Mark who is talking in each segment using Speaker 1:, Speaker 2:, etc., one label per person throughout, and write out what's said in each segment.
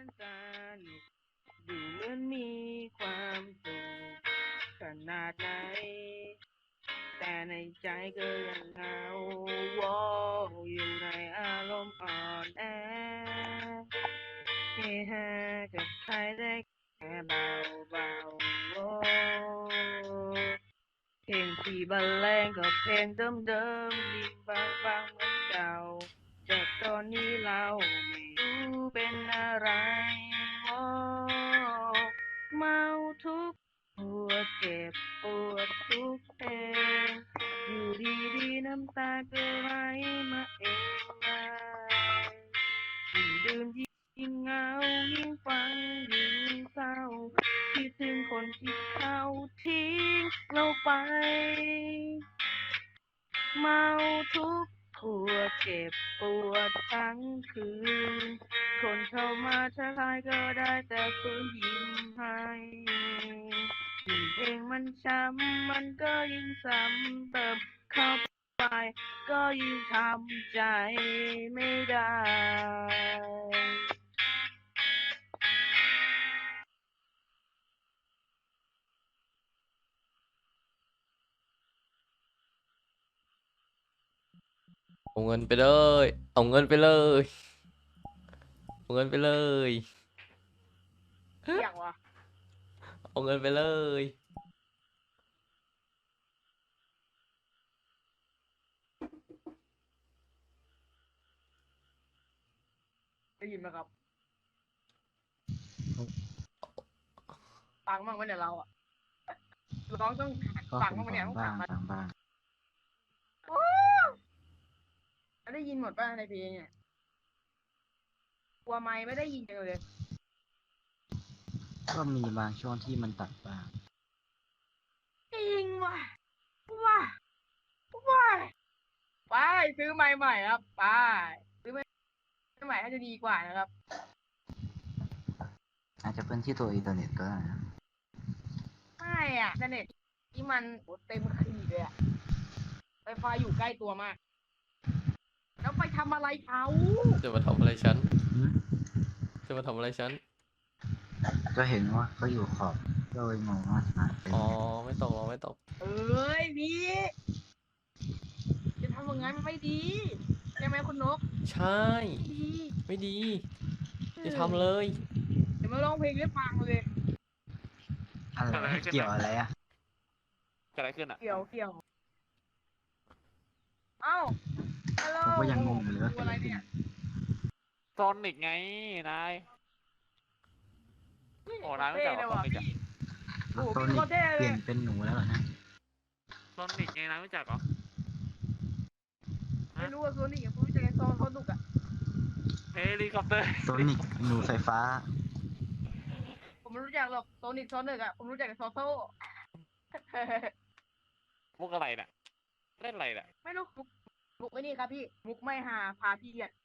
Speaker 1: สนุกดูเหมือนมีความสุขขนาดไหนแต่ในใจก็ยังเหงาวออยู่ในอารมณ์อ่อนแอเฮฮากับใครได้แค่เบาเบาโอ้เพลงที่บรรเลงก็เพลงเดิมๆยิ่งฟังเหมือนเก่าจากตอนนี้เราไม่รู้เป็นอะไรโอ้เมาทุกปวดเจ็บปวดทุกเพลงอยู่ดีๆน้ำตาก็ไหลมาเองเลยยิ่งดื่มยิ่งเหงายิ่งฟังยิ่งเศร้าคิดถึงคนที่เขาทิ้งเราไปเมาทุกปวดเจ็บปวดทั้งคืนคนเข้ามาทักทายก็ได้แต่ฝืนยิ้มให้ยิ่งเพลงมันช้ำมันก็ยิ่งซ้ำเติมเข้าไปก็ยิ่งทำใจไม่ได้
Speaker 2: เอาเงินไปเลยเอาเงินไปเลยเอาเงินไปเลย
Speaker 1: เรียกวะ
Speaker 2: เอาเงินไปเลย
Speaker 1: ได้ยินไหมครับฟังบ้างไหมเนี่ยเราอ่ะร้องต้อง
Speaker 3: ก็
Speaker 1: ฟัง
Speaker 3: คง
Speaker 1: บ้างไหมเนี่ยต้องถา
Speaker 3: ฟังบ้าง
Speaker 1: มมา
Speaker 3: ฟังบ้าง
Speaker 1: ได้ยินหมดป่ะในเพลงเนี่ยกลัวไม่ได้ยินจังเลย
Speaker 3: ก็มีบางช่วงที่มันตัดบ้าง
Speaker 1: จริงว่ะว่ะว่ะไปซื้อไม้ใหม่ครับไปซื้อไม้ใหม่น่าจะดีกว่านะครับ
Speaker 3: อาจจะเป็นที่ตัวอินเทอร์เน็ตก็ได้นะ
Speaker 1: ไม่อ่ะอินเทอร์เน็ตที่มันโอ้เต็มขีดเลยอ่ะไฟฟ้าอยู่ใกล้ตัวมาก แล้วไปทำอะไรเขา
Speaker 2: จะมาทำอะไรฉัน
Speaker 3: หืม
Speaker 2: จะมาทำอะไรฉัน
Speaker 3: ก็เห็นว่าเขาอยู่ขอบก็เลยงงว่าหายไป
Speaker 2: อ๋อ
Speaker 3: ไหน
Speaker 2: ไม่ตกหรอไม่ตก
Speaker 1: เอ้ยพี่จะทำอย่างนั้นมันไม่ดีใช่ไหมคุณนก
Speaker 2: ใช่
Speaker 1: ไม่ดี
Speaker 2: ไม่ดี
Speaker 1: เอ
Speaker 2: จะ
Speaker 1: อ
Speaker 2: ทำเลย
Speaker 1: เดี๋ยวมาร้องเพลงให้ฟังเลย
Speaker 3: อะไร
Speaker 4: เกิดอะไรขึ้น
Speaker 3: เกี่ยว
Speaker 4: นะ
Speaker 3: อะไรอ่ะ
Speaker 4: เกิดอะไรขึ้นอ่ะ
Speaker 1: เกี่ยวเอ้าฮัลโหล
Speaker 3: ผมก็ยังงงอยู่เลยว่า
Speaker 1: ดู
Speaker 3: เกิดอะไรขึ้น
Speaker 1: อะไรเนี่ย
Speaker 4: โซนิกไงนายโอ้นายไม่
Speaker 1: เท่
Speaker 4: จักเหรอโซ
Speaker 1: เลยว่ะพี่
Speaker 4: นิกอ่ะ
Speaker 1: โอ้โห
Speaker 3: โซนิก
Speaker 1: พี่โคตรเท่เลย
Speaker 3: เปลี่ยนเป็นหนูแล้วเหรอนะ
Speaker 4: โซนิกไงนายไม่จักเหรอ
Speaker 1: ไม่
Speaker 4: ฮะ
Speaker 1: รู้ว่าโซนี่กับผมรู้จักไอ้โซนเขาดุกอ่ะ
Speaker 4: เฮลิคอปเตอร์
Speaker 3: โซนิกหนูไฟฟ้า
Speaker 1: ผมไม่รู้จักหรอกโซนิกโซนหนึ่งอ่ะผมรู้จักแต่โซโซ่
Speaker 4: มุกอะไรน่ะเล่นอะไรน่ะ
Speaker 1: ไม่รู้มุกไอ้นี่ครับพี่มุกไม่หาพาพี่อ่ะ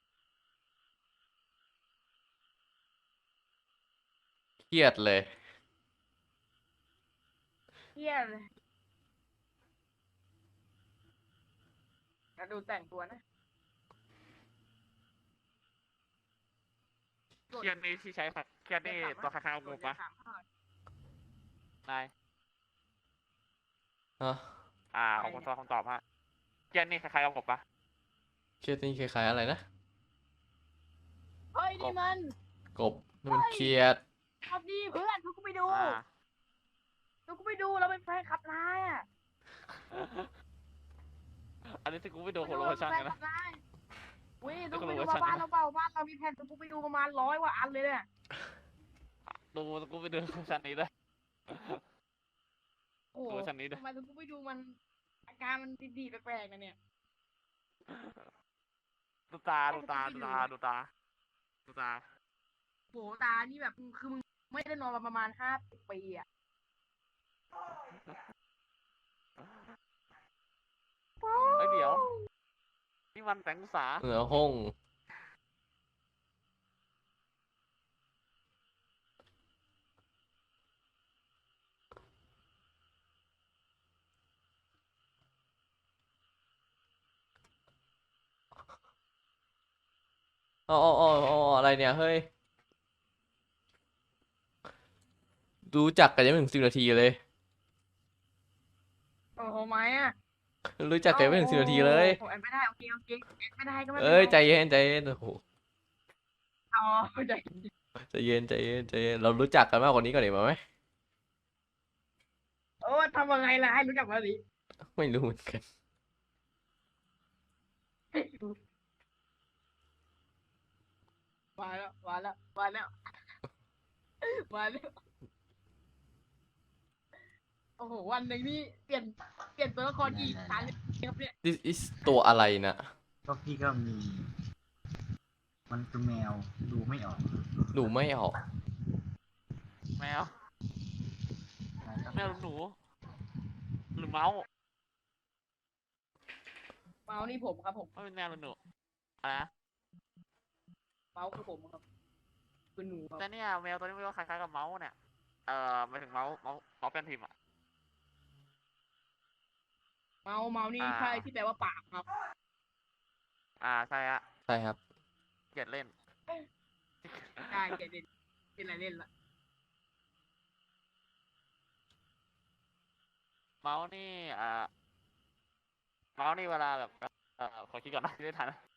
Speaker 2: เครียดเลย
Speaker 1: เฮียเลยแล้วดูแต่งตัวนะกด
Speaker 4: เครียดนี่ที่ใช้ผัดเครียดนี่
Speaker 1: อย่าขำนะ
Speaker 4: ตัวคาคาว
Speaker 1: กด
Speaker 4: งูปะ
Speaker 1: อย่าขำ
Speaker 4: นาย
Speaker 2: ฮะ
Speaker 4: ของคุณ
Speaker 1: อะไรเนี่ย
Speaker 4: คำตอบฮะเครียดนี่คล้ายๆกับกบปะ
Speaker 2: เครียดนี่คล้ายๆอะไรนะ
Speaker 1: เฮ้ย
Speaker 4: กบ
Speaker 1: นี่มัน
Speaker 2: กบนี่มัน
Speaker 1: เฮ้ย
Speaker 2: เครียด
Speaker 1: สวัสดีเพื่อนทุกคนไปดู
Speaker 4: อ่า
Speaker 1: ทุกคนไปดูเราเป็นแฟนคลับนายอ่ะ
Speaker 4: อันนี้ที่กูไปดู
Speaker 1: ไปดู
Speaker 4: โคโล
Speaker 1: เราเป็นแฟน
Speaker 4: ชั่นกันนะ
Speaker 1: คลับนายเว้ยทุ
Speaker 4: ดูโคโล
Speaker 1: กคนไปดูมา
Speaker 4: ชั่นกันนะ
Speaker 1: บ้านเราเปล่าบ้านเรามีแผ่นทุกคนไปดูประมาณ100 กว่าอันเลยเนี่ย
Speaker 4: ดูกูไปดูโคโลชั่นนี้ด้วย
Speaker 1: โอ้โห
Speaker 4: โคโลชั่นนี้ด้วย
Speaker 1: ทำไมทุกคนไปดูมันอาการมันดีๆแปลกๆนะเนี่ย
Speaker 4: ดูตา
Speaker 1: ให้
Speaker 4: ดู
Speaker 1: ทุกคนไปดู
Speaker 4: ตาดูตาดูตาดูตา
Speaker 1: โหตานี่แบบคือมึงไม่ได้นอนมาประมาณ50 ปีอ่ะ
Speaker 4: เฮ้ยเดี๋ยวนี่มันแสงอุตสา
Speaker 2: เหนือห้องอ๋ออะไรเนี่ยเฮ้ยรู้จักกันยังไม่ถึง10 นาทีเลย
Speaker 1: โอ้โหไหมอ่ะ
Speaker 2: รู้จักกันไม่ถึง10 นาทีเลย
Speaker 1: ผมแอนไม่ได้โอเคแอนไม่ได้ก็ไม่เป็น
Speaker 2: เอ้ย
Speaker 1: ไร
Speaker 2: ใจเย็นใจเย็นโอ้โห
Speaker 1: อ๋อใจ
Speaker 2: ใจเย็นใจเย็นใจเย็นเรารู้จักกันมากกว่านี้ก่อนดีกว่าไหม
Speaker 1: โอ้ทำยังไงล่ะให้รู้จักมาสิ
Speaker 2: ไม่รู้เหมือนกัน
Speaker 1: มาแล้วโอ้โหวันหนึ่งนี่เปลี่ยนตัวละครกี่ครั้งครับเนี่ย
Speaker 2: this is ตัวอะไรนะ
Speaker 3: ก็พี่ก็มี มันคือแมวดูไม่ออก
Speaker 2: ดูไม่ออก
Speaker 4: แมว แมวหนู หรือเมาส์
Speaker 1: เมาส์นี่ผมครับผม
Speaker 4: ไม่เป็นแมวหรือหนูอะไรนะ
Speaker 1: เมาส์คือผมครับคือหนูครับ
Speaker 4: แต่เนี่ยแมวตัวนี้มันก็คล้ายๆกับเมาส์เนี่ยหมายถึงเมาส์เป็นพิมพ์อ่ะ
Speaker 1: เมาส์นี่
Speaker 4: อ่า
Speaker 1: ใช่ที่แปลว่าปากครับ
Speaker 4: ใช่ฮะ
Speaker 2: ใช่ครับ
Speaker 4: เกลียดเล่น
Speaker 1: ใช่เกเล่นเป็นอะไรเล่นละ
Speaker 4: เมาส์นี่เมาส์นี่เวลาแบบขอคิดก่อนนะไม่ได้ทัน